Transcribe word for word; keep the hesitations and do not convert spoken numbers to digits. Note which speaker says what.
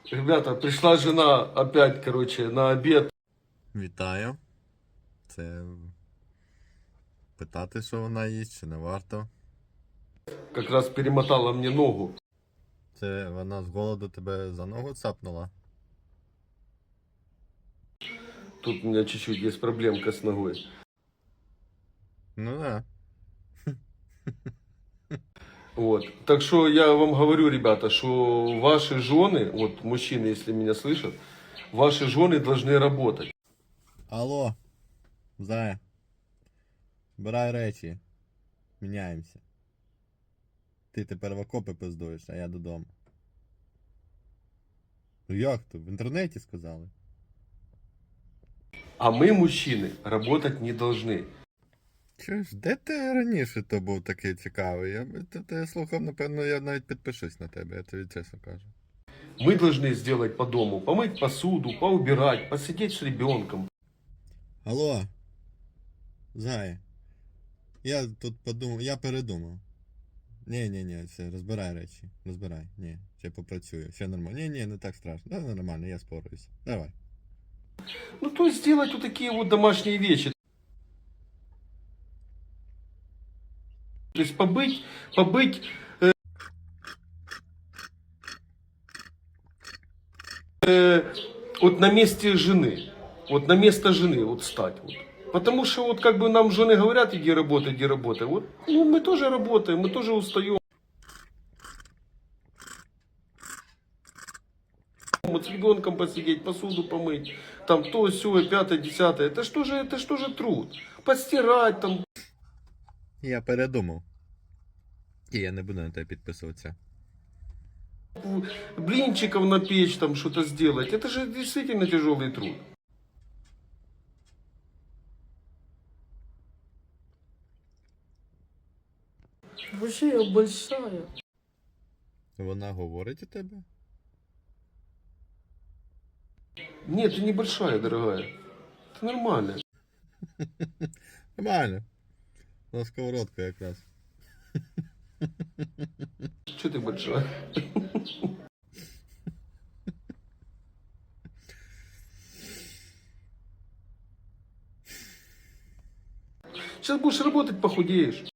Speaker 1: Ребята, пришла жена опять, короче, на обед.
Speaker 2: Вітаю. Це питати, що вона їсть, чи не варто.
Speaker 1: Как раз перемотала мне ногу.
Speaker 2: Це вона з голоду тебе за ногу цапнула?
Speaker 1: Тут у меня чуть-чуть есть проблемка с ногой.
Speaker 2: Ну да.
Speaker 1: Вот. Так что я вам говорю, ребята, что ваши жены, вот мужчины, если меня слышат, ваши жены должны работать.
Speaker 2: Алло, Зая. Збирай речі. Міняємося. Ти тепер в окопи пиздуєш, а я додому. Ну як то? В інтернеті сказали.
Speaker 1: А мы, мужчины, работать не должны.
Speaker 2: Чуєш, де ти раніше то був такий цікавий? Я би то тебе слухав, напевно, я навіть підпишусь на тебе, я тобі чесно кажу.
Speaker 1: Мы должны сделать по дому, помыть посуду, поубирать, посидеть с ребенком.
Speaker 2: Алло, Зая. Я тут подумав, я передумав. Ні, ні, ні, все, розбирай речі. Розбирай. Ні, ще попрацюю. Все нормально. Ні, ні, не так страшно. Да, нормально, я спорюсь. Давай.
Speaker 1: Ну, то есть сделать вот такие вот домашние вещи. То есть побыть, побыть э, э, вот на месте жены. Вот на место жены вот стать. Вот. Потому что вот как бы нам жены говорят, иди работай, иди работай. Вот ну, мы тоже работаем, мы тоже устаем. Вот с ребенком посидеть, посуду помыть, там то, сё, пятое, десятое. Это что же, это что же труд? Постирать там.
Speaker 2: Я передумав. І я не буду на тебе підписуватися.
Speaker 1: Блинчиков напечь, там что-то сделать. Это же действительно тяжелый труд.
Speaker 3: Вообще я большая.
Speaker 2: Вона говорить у тебе?
Speaker 1: Нет, ты небольшая, дорогая. Ты нормальная.
Speaker 2: Нормально. На сковородку якраз.
Speaker 1: Че ты большая? Сейчас будешь работать, похудеешь.